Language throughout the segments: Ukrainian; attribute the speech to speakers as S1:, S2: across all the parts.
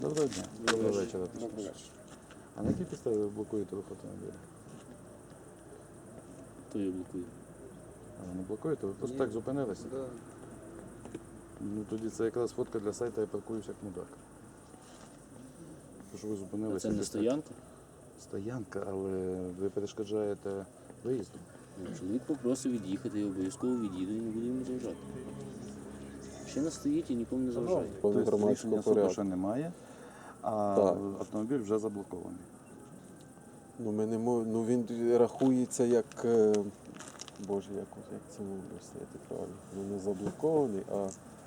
S1: Доброго дня. Доброго вечора.
S2: Доброго вечора.
S1: А на якій підставі ви блокуєте рух автомобіля?
S2: Хто її блокує?
S1: А ви не блокуєте? Ви просто так зупинилися?
S2: Да.
S1: Ну тоді це якраз фотка для сайту «Я паркуюсь як мудак». Тому що ви
S2: А
S1: зупинилися.
S2: це не стоянка?
S1: Стоянка, але ви перешкоджаєте виїзду.
S2: Чоловік попросив від'їхати, я обов'язково від'їду і не буду йому заважати. Ще не стоїть і нікому не заважає.
S1: Тобто
S3: громадського
S1: рішення суду
S3: порядку.
S1: ще немає, а
S3: Так.
S1: автомобіль вже заблокований.
S3: Ну, ми не ну він рахується як, боже, як це можна сказати правильно. Ну, не заблокований, а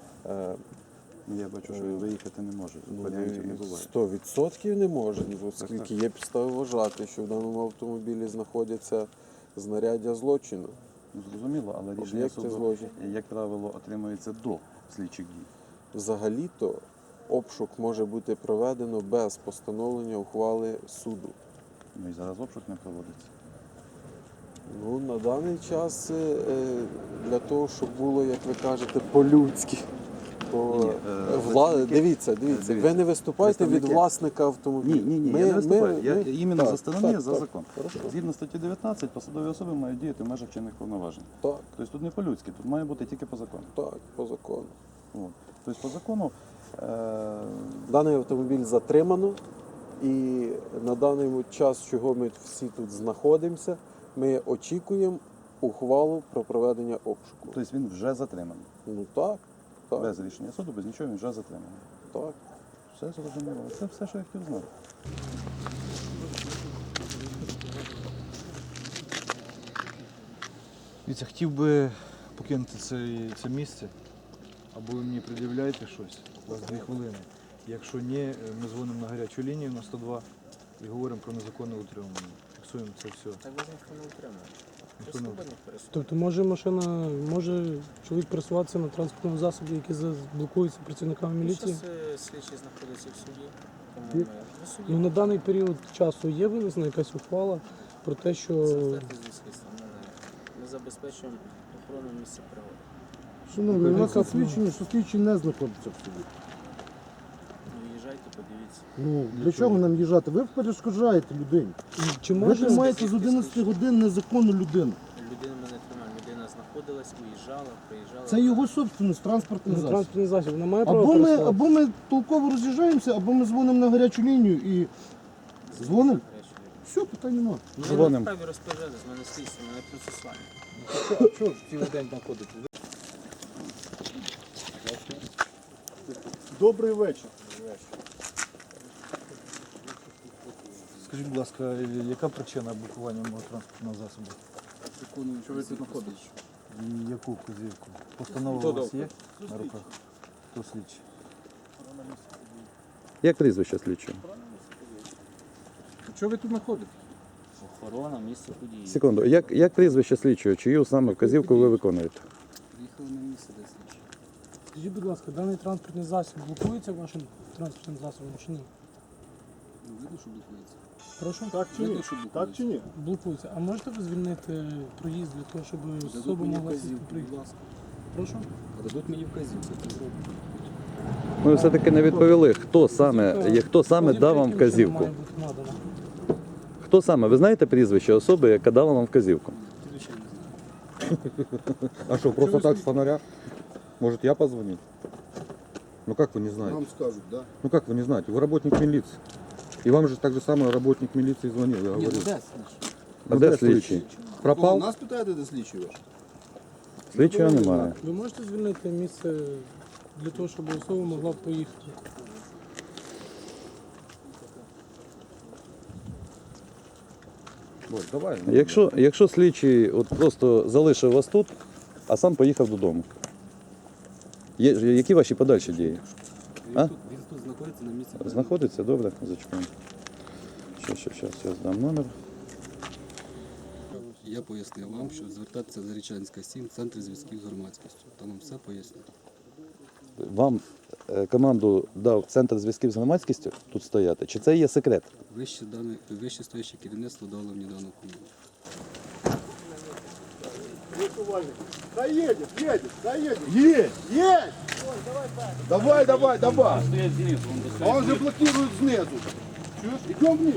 S1: Я бачу, що він виїхати не може.
S3: ну,
S1: Варіантів не буває.
S3: 100% не може, оскільки
S1: Так.
S3: є підстави вважати, що в даному автомобілі знаходяться знаряддя злочину.
S1: Ну, зрозуміло, але рішення
S3: Об'єкти
S1: суду,
S3: злочину.
S1: як правило, отримується до слідчих дій.
S3: Взагалі-то обшук може бути проведено без постановлення ухвали суду.
S1: Ну і зараз обшук не проводиться.
S3: Ну, на даний час для того, щоб було, як ви кажете, по-людськи.
S1: Ні,
S3: Дивіться, ви не виступаєте від
S1: представники-
S3: власника автомобіля.
S1: Ні, я не виступаю. Я іменно
S3: так,
S1: за сторони,
S3: так,
S1: за
S3: так.
S1: закон.
S3: Хорошо.
S1: Згідно статті 19, посадові особи мають діяти в межах чинних повноважень.
S3: Так,
S1: Тобто тут не по-людськи, тут має бути тільки по закону.
S3: так, по закону.
S1: От. Тобто по закону
S3: Даний автомобіль затримано, і на даний час, чого ми всі тут знаходимося, ми очікуємо ухвалу про проведення обшуку.
S1: тобто він вже затриманий.
S3: Ну так, так,
S1: Без рішення суду, без нічого він вже затриманий.
S3: так.
S1: Все зрозуміло. Це все, що я хотів знати.
S4: Дивіться, хотів би покинути це місце, або ви мені пред'являєте щось, у вас 2 хвилини. Якщо ні, ми дзвонимо на гарячу лінію на 102 і говоримо про незаконне утримання. Фіксуємо це все.
S2: Так вас ніхто не утримує.
S4: Ніхто не-
S5: Тобто може чоловік пересуватися на транспортному засобі, який блокується працівниками міліції?
S2: Слідчий знаходиться в суді. Тому ми в суді.
S5: Ну на даний період часу є винесена якась ухвала про те, що
S2: Звертайтесь зі слідством. Ми забезпечуємо охорону місця пригоди.
S6: Шановний, у нас освідчення, що слідчий не знаходиться в суді.
S2: Виїжджайте, подивіться.
S6: Ну, для чого нам їжджати? Ви перешкоджаєте людині.
S5: чи
S6: Ви
S5: може
S6: тримаєте з 11 годин незаконну людину.
S2: Людина мене тримає. Людина знаходилась, уїжджала, приїжджала.
S6: Це його собственність, транспортний засіб.
S5: транспортний засіб вона має право
S6: Або ми,
S5: пересуватися?
S6: або ми толково роз'їжджаємося, або ми дзвонимо на гарячу лінію і дзвонимо. Все, питань немає.
S2: Ми
S1: Дзвонимо.
S2: не вправі розпоряджатись, в мене слідство, в мене процесуальне.
S4: А чого ж цілий день знаходитесь?
S6: Добрий вечір.
S4: Скажіть, будь ласка, яка причина блокування мого транспортного засобу?
S6: Що ви тут знаходитесь?
S4: І яку вказівку? Постанова у вас є на руках? Хто слідчий?
S1: Як прізвище слідчого?
S6: Що ви тут знаходитесь?
S2: Охорона, місце події.
S1: Секунду, як прізвище слідчого? Чию саме вказівку ви виконуєте?
S2: Приїхали на місце, де слідчий.
S5: Скажіть, будь ласка, даний транспортний засіб блокується вашим транспортним засобом чи ні?
S2: Видно, що блокується.
S5: Прошу?
S6: Так чи ні?
S2: Видно, що блокується.
S6: Так чи ні?
S5: Блокується. А можете ви звільнити проїзд для того, щоб особа могла сісти приїхати?
S2: ласка.
S5: Прошу?
S2: Дадуть мені вказівку, я це зроблю.
S1: Ми все-таки не відповіли, хто саме дав вам
S5: Вказівка, яким чином
S1: вказівку.
S5: має бути надана?
S1: Хто саме? Ви знаєте прізвище особи, яка дала вам вказівку?
S2: Звичайно.
S7: А что, просто так с фонаря? Может, я позвонить? Ну как вы не знаете?
S6: Нам скажуть, да?
S7: Ну как вы не знаете? Вы работник милиции. И вам же так же самое работник милиции звонил, я говорю.
S1: А де слідчий?
S7: Пропал?
S6: Нас питаєте, де слідчий ваш?
S1: Слідчого немає.
S5: Ви можете звільнити місце для того, щоб особа могла поїхати?
S7: Ой, давай.
S1: Якщо слідчий от просто залишив вас тут, а сам поїхав додому. Які ваші подальші дії? А?
S2: Він тут знаходиться на місці.
S1: Знаходиться? Добре, зачекаємо. Щас, я здам номер.
S8: Я пояснив вам, що звертатися за Зарічанська 7, Центр зв'язків з громадськістю. Там вам все поясню.
S1: Вам команду дав Центр зв'язків з громадськістю тут стояти? Чи це є секрет?
S8: Вище стояще керівництво дало мені дану команду.
S6: Да едет, да едет. Есть! Давай. А он же блокирует снизу. Чуешь? Идем вниз.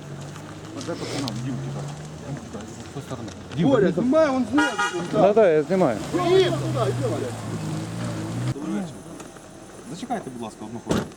S6: Боря, снимай, он снизу.
S1: Да, я знімаю.
S6: Иди туда, иди.
S7: Зачекайте, будь ласка, одну хвилину.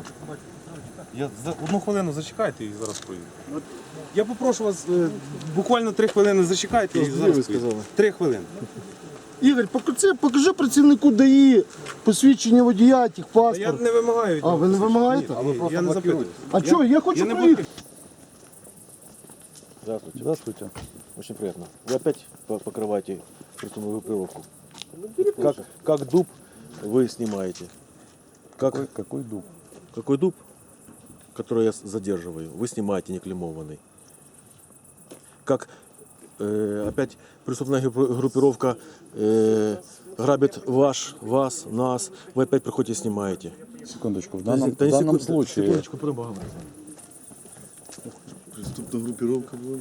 S7: Одну хвилину зачекайте і зараз поїду. Я попрошу вас буквально 3 хвилини зачекайте і зараз поїду. 3 хвилини.
S6: Ігор, покажи працівнику ДАІ посвідчення водія,
S7: Я
S6: техпаспорт.
S7: не вимагаю від
S6: А, ви не
S7: вас.
S6: вимагаєте?
S7: Ні, я не запитую.
S6: А что, я хочу
S7: не
S6: проехать.
S9: Здравствуйте.
S1: Здравствуйте.
S9: Очень приятно. Вы опять покрываете присутственную группировку?
S1: Ну,
S9: Как дуб вы снимаете?
S1: Какой дуб?
S9: Какой дуб, который я задерживаю, вы снимаете неклеймованный? Как опять преступная группировка грабит вас, нас, вы опять приходите и снимаете?
S1: Секундочку. В
S9: Да не
S1: данном
S9: секунду,
S1: случае
S9: секундочку, поговорим. Преступная группировка была.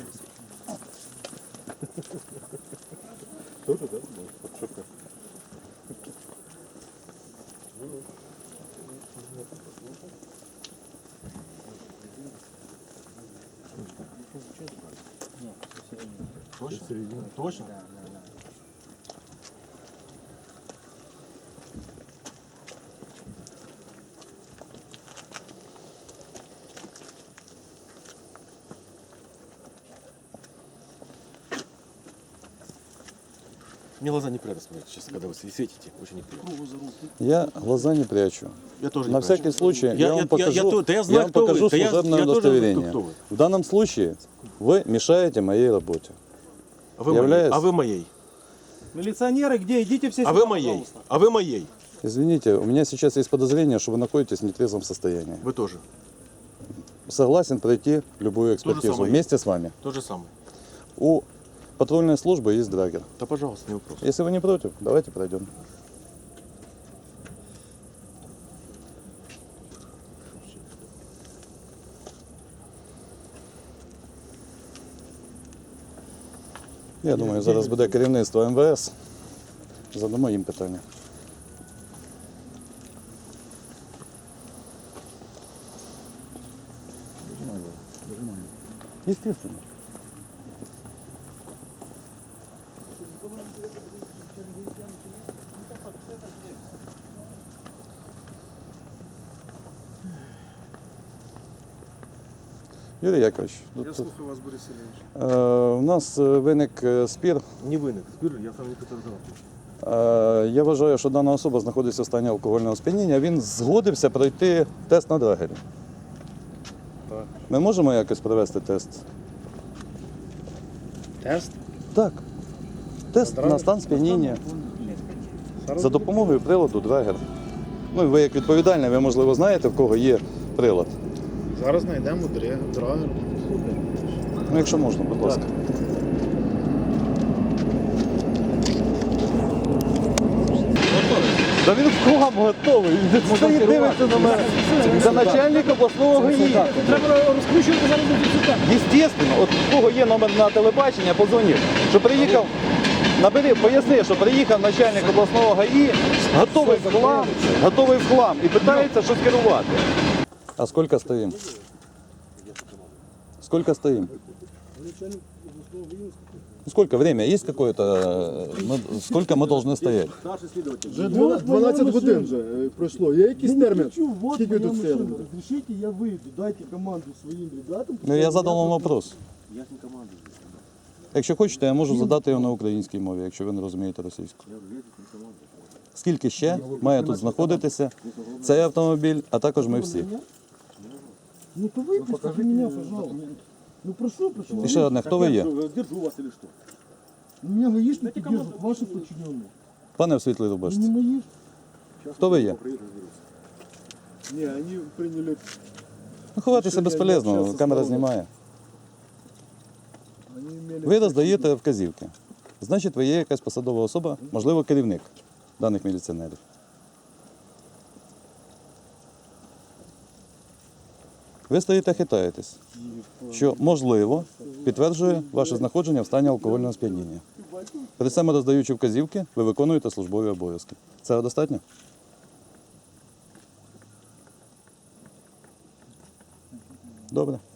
S9: Точно? Мне глаза неприятно смотреть сейчас, когда вы светите, очень неприятно.
S1: я глаза не прячу.
S9: Я тоже не
S1: На
S9: прячу.
S1: всякий случай я вам покажу,
S9: да я знаю,
S1: вам
S9: кто вы.
S1: покажу
S9: Да я
S1: служебное
S9: тоже
S1: удостоверение.
S9: кто вы.
S1: В данном случае вы мешаете моей работе.
S9: А вы
S1: Являюсь.
S9: моей. А вы моей.
S4: Міліціонери, де? Ідіть всі
S9: А вы моей. А вы моей.
S1: Извините, у меня сейчас есть подозрение, что вы находитесь в нетрезвом состоянии.
S9: Вы тоже.
S1: Согласен пройти любую экспертизу
S9: самое.
S1: вместе с вами.
S9: То же самое.
S1: У патрульной службы есть драгер.
S9: Да пожалуйста, не вопрос.
S1: Если вы не против, давайте пройдем. Я думаю, зараз буде керівництво МВС. Задамо їм питання. Естественно. Юрій Якович,
S4: Я слухаю вас, Борис Ілліч.
S1: у нас виник спір.
S9: Не виник. Спір, я сам не підтверджував.
S1: Я вважаю, що дана особа знаходиться в стані алкогольного сп'яніння. Він згодився пройти тест на драгері. Ми можемо якось провести тест?
S6: Тест?
S1: Так. Тест на стан сп'яніння. За допомогою приладу драгер. Ну і ви як відповідальний, ви можливо знаєте, в кого є прилад.
S6: Зараз знайдемо драгер.
S1: Ну, якщо можна, будь ласка. Та він в хлам готовий. Він стоїть, дивиться на мене. Це начальник обласного ГАІ.
S5: Треба розкручувати зараз до кінця.
S1: Естественно, от в кого є номер на телебачення, позвонив. Що приїхав, набери, поясни, що приїхав начальник обласного ГАІ, готовий в хлам і питається щось керувати. А скільки стоїмо? Сколько стоим? Сколько время? Есть какое-то? Сколько мы должны стоять?
S6: Вже 12 годин вже пройшло. Є якийсь термін? Скільки ви тут стояли?
S10: Разрешите, я выйду, дайте команду своим ребятам.
S1: Ну, я задав вам вопрос. Якщо хочете, я можу задати його на українській мові, якщо ви не розумієте російську. Скільки ще має тут знаходитися цей автомобіль, а також ми всі?
S10: Ну то выпустите меня, пожалуйста. Ну прошу.
S1: І ще одне, хто ви є?
S9: Держу вас или что?
S10: Меня гаишники держат, ваши подчиненные.
S1: Пане в світлій
S10: Не
S1: рубашці,
S10: мои.
S1: хто ви є?
S6: Ні, вони прийняли.
S1: Ну, ховатися безполезно, камера знімає. Ви роздаєте вказівки. Значить, ви є якась посадова особа, можливо, керівник даних міліціонерів. Ви стоїте, хитаєтесь, що, можливо, підтверджує ваше знаходження в стані алкогольного сп'яніння. Перед цим роздаючи вказівки, ви виконуєте службові обов'язки. Це достатньо? Добре.